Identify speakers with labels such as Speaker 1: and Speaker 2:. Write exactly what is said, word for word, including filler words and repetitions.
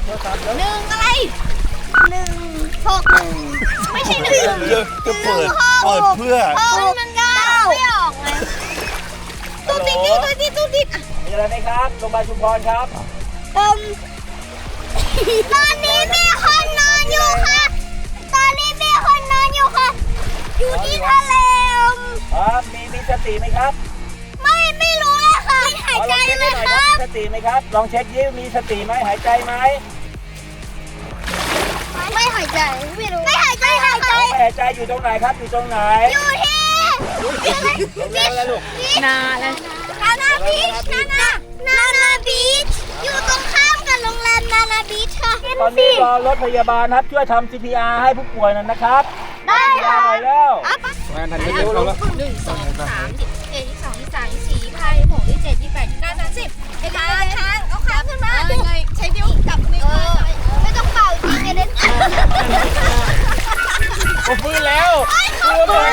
Speaker 1: โทรศัพท์แล้ว
Speaker 2: หนึ่งอะไรหนึ่งหกหนึ่งไม่ใช่หนึ่ง
Speaker 3: จะจะเปิดเปิดเพื่อ
Speaker 2: มันมันเก้าไม่ออกเลยตู้ติดนี่ตู้ติดตู้ติด
Speaker 1: มีอะไรไหมครับโรงพยาบาลชุมพรครับ
Speaker 2: เอิ่มตอนนี้มีคนนอนอยู่ค่ะตอนนี้มีคนนอนอยู่ค่ะอยู่ที่ทะเล
Speaker 1: ครับมีมีสติไหมครับ
Speaker 2: ไม่ไม่รู้เลยค่ะไม่หายใจ
Speaker 1: ลองเช็ค
Speaker 2: เล
Speaker 1: ให้
Speaker 2: ย
Speaker 1: หน่อย
Speaker 2: ค
Speaker 1: ครับ
Speaker 2: รับ
Speaker 1: มีสติไหมครับลองเช็คยิ้มมีสติไหมหายใจไหม
Speaker 2: ไม่หายใจไม่รู้ไม่หายใจหายใจ
Speaker 1: ไม่หายใจอยู่ตรงไหนครับอยู่ตรงไหน
Speaker 2: อยู่ที่
Speaker 1: ตรงนั้นแล้วลูก
Speaker 2: นาเลยนานาบีชนานานานาบีชอยู่ตรงข้ามกับโรงแรมนานาบีชค่ะ
Speaker 1: ตอนนี้รอรถพยาบาลครับช่วยทำ ซี พี อาร์ ให้ผู้ป่วยหน่อยนะครับ
Speaker 2: ได้
Speaker 1: ยา
Speaker 2: ค่ะ
Speaker 1: หน่อยแล้ว
Speaker 3: งานทันเร็วแล้ว
Speaker 4: หนึ่งสองสามสิบเอ็ดยี่สองยี่สามยี่สี่ยี่ห้ายี่หกยี่เจ็ดยี่แปดยี่เก้าสามสิบไอ้ค้างค้างเอาค้างขึ้นมาไงใช้นิ้วจับนิ้ว
Speaker 2: ไม่ต้องเป่าจริงเลย
Speaker 1: โอ้ฟื้นแล้วฟื้นแล้ว